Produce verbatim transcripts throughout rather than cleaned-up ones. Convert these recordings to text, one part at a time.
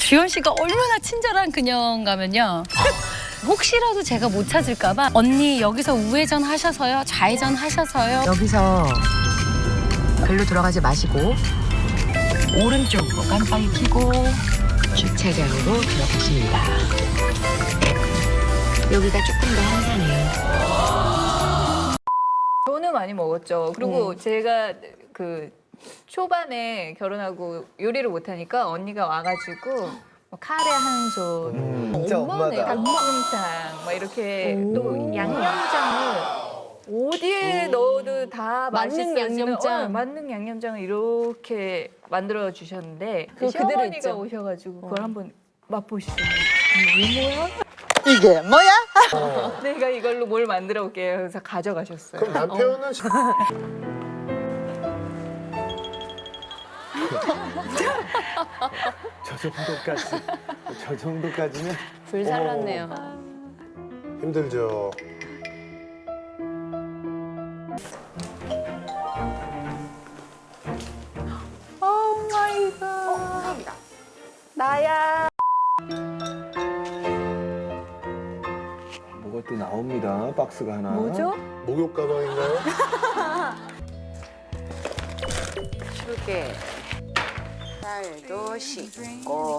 주현 씨가 얼마나 친절한 그녀인가면요. 혹시라도 제가 못 찾을까 봐 언니 여기서 우회전 하셔서요, 좌회전 하셔서요. 여기서 별로 들어가지 마시고 오른쪽으로 깜빡이 켜고 주차장으로 들어가십니다. 여기가 조금 더 한산해요. 저는 많이 먹었죠. 그리고 네. 제가 그 초반에 결혼하고 요리를 못하니까 언니가 와가지고 뭐 카레 한 손, 음, 진짜 엄마네 엄마다. 닭볶음탕 막 이렇게 또 양념장을 어디에 넣어도 다 만능 맛있어지는 양념장. 어, 만능 양념장을 이렇게 만들어 주셨는데 그거 그대로 시어머니가 있죠. 오셔가지고 그걸 어. 한번 맛보시더라고요. 이게 뭐야? 이게 뭐야? 어. 내가 이걸로 뭘 만들어 올게요. 그래서 가져가셨어요. 그럼 남편은 저 정도까지 저 정도까지는 불살랐네요. 힘들죠. 오 마이 갓. 나야. 뭐가 또 나옵니다. 박스가 하나. 뭐죠? 목욕 가방인가요? 슈게 살도 씻고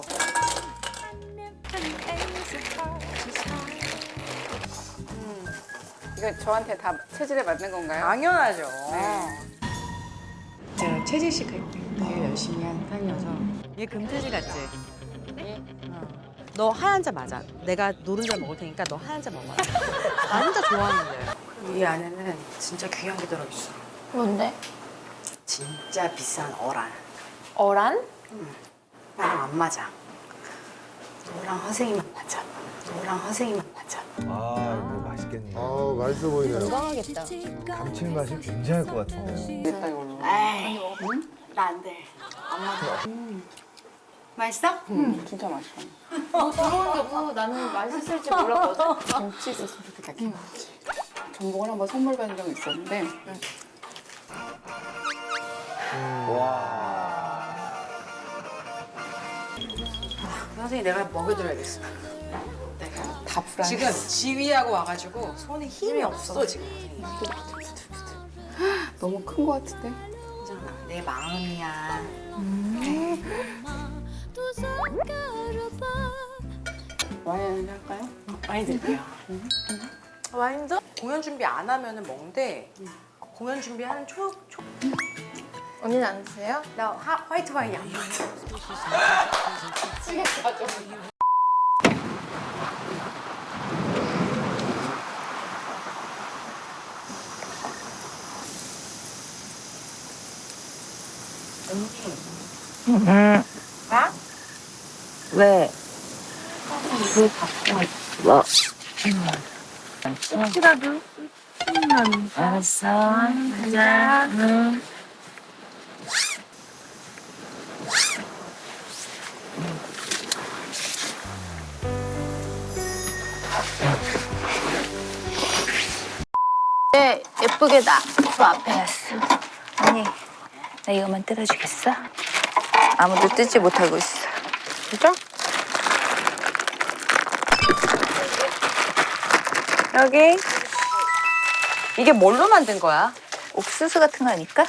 이거 저한테 다 체질에 맞는 건가요? 당연하죠. 네. 제가 채질식 할 때 되게 열심히 한 편이어서 얘 금태지 같지? 어. 너 하얀 자 맞아. 내가 노른자 먹을 테니까 너 하얀 자 먹어라. 나 혼자 좋아하는데. 이 안에는 진짜 귀한 게 들어있어. 뭔데? 진짜 비싼 어란. 어란? 나랑 안 맞아. 너랑 허생이만 맞아. 너랑 허생이만 맞아. 아, 이거 맛있겠네. 아, 맛있어 보이네요. 건강하겠다. 감칠맛이 굉장할 것 같은데요. 됐다 이걸로. 에이, 나 안 돼. 안 맞아. 맛있어? 진짜 맛있어. 들어오려고 나는 맛있을지 몰랐거든. 김치 있었으면 좋겠다. 김치. 전복을 한번 선물 받은 적이 있었는데 와. 선생님 내가 먹여줘야겠어. 내가 다 불안. 지금 지휘하고 와가지고 손에 힘이 없어 지금. 너무 큰 거 같은데. 괜찮아. 내 마음이야. 와인 할까요? 많이 드릴게요. 와인도? 공연 준비 안 하면은 먹는데 공연 준비하는 초, 초. 언니는 안 드세요? 나 화, 화이트 와인 양. 왜? 알았어. 가자. 응. 네, 예쁘게 나. 저 앞에 왔어. 언니, 나 이거만 뜯어주겠어? 아무도 뜯지 못하고 있어. 진짜? 여기. 이게 뭘로 만든 거야? 옥수수 같은 거 아닐까?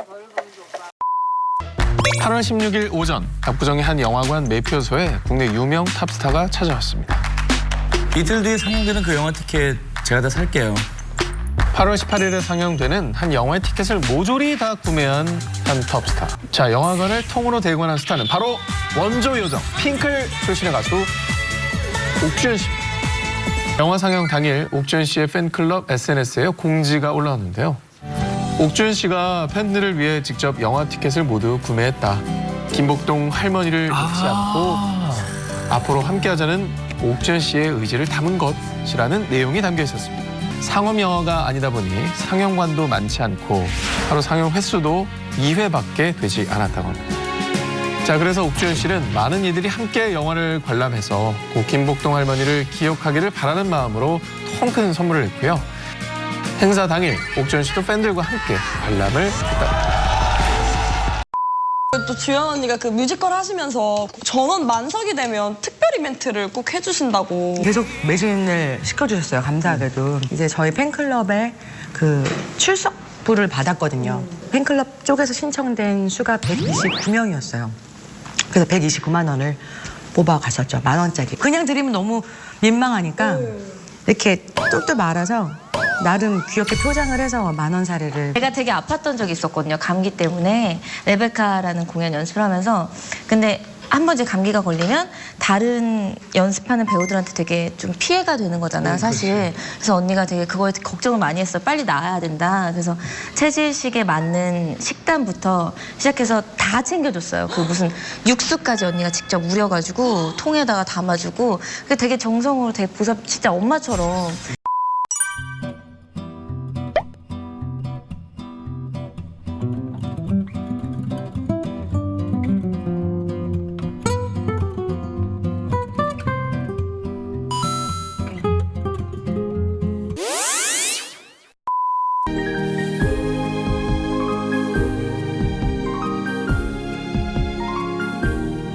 팔월 십육일 오전 압구정의 한 영화관 매표소에 국내 유명 탑스타가 찾아왔습니다. 이틀 뒤에 상영되는 그 영화 티켓 제가 다 살게요. 팔월 십팔일에 상영되는 한 영화의 티켓을 모조리 다 구매한 한 톱스타. 자, 영화관을 통으로 대관한 스타는 바로 원조 요정 핑클 출신의 가수 옥주현 씨. 영화 상영 당일 옥주현 씨의 팬클럽 에스엔에스에 공지가 올라왔는데요. 옥주현 씨가 팬들을 위해 직접 영화 티켓을 모두 구매했다. 김복동 할머니를 잊지 않고 앞으로 함께하자는 옥주현 씨의 의지를 담은 것이라는 내용이 담겨 있었습니다. 상업 영화가 아니다 보니 상영관도 많지 않고 하루 상영 횟수도 이 회밖에 되지 않았다고 합니다. 자, 그래서 옥주현 씨는 많은 이들이 함께 영화를 관람해서 고 김복동 할머니를 기억하기를 바라는 마음으로 통 큰 선물을 했고요. 행사 당일 옥주현 씨도 팬들과 함께 관람을 했다. 또 주연 언니가 그 뮤지컬 하시면서 전원 만석이 되면 특별 이벤트를 꼭 해주신다고. 계속 매진을 시켜주셨어요. 감사하게도. 이제 저희 팬클럽에 그 출석부를 받았거든요. 팬클럽 쪽에서 신청된 수가 백이십구 명이었어요. 그래서 백이십구만 원을 뽑아갔었죠. 만 원짜리. 그냥 드리면 너무 민망하니까 이렇게 똘똘 말아서 나름 귀엽게 포장을 해서 만 원 사례를. 제가 되게 아팠던 적이 있었거든요. 감기 때문에 레베카라는 공연 연습을 하면서. 근데 한 번 이제 감기가 걸리면 다른 연습하는 배우들한테 되게 좀 피해가 되는 거잖아요, 사실. 그래서 언니가 되게 그거에 걱정을 많이 했어요. 빨리 나아야 된다. 그래서 체질식에 맞는 식단부터 시작해서 다 챙겨줬어요. 그 무슨 육수까지 언니가 직접 우려가지고 통에다가 담아주고. 그게 되게 정성으로 되게 보살, 진짜 엄마처럼.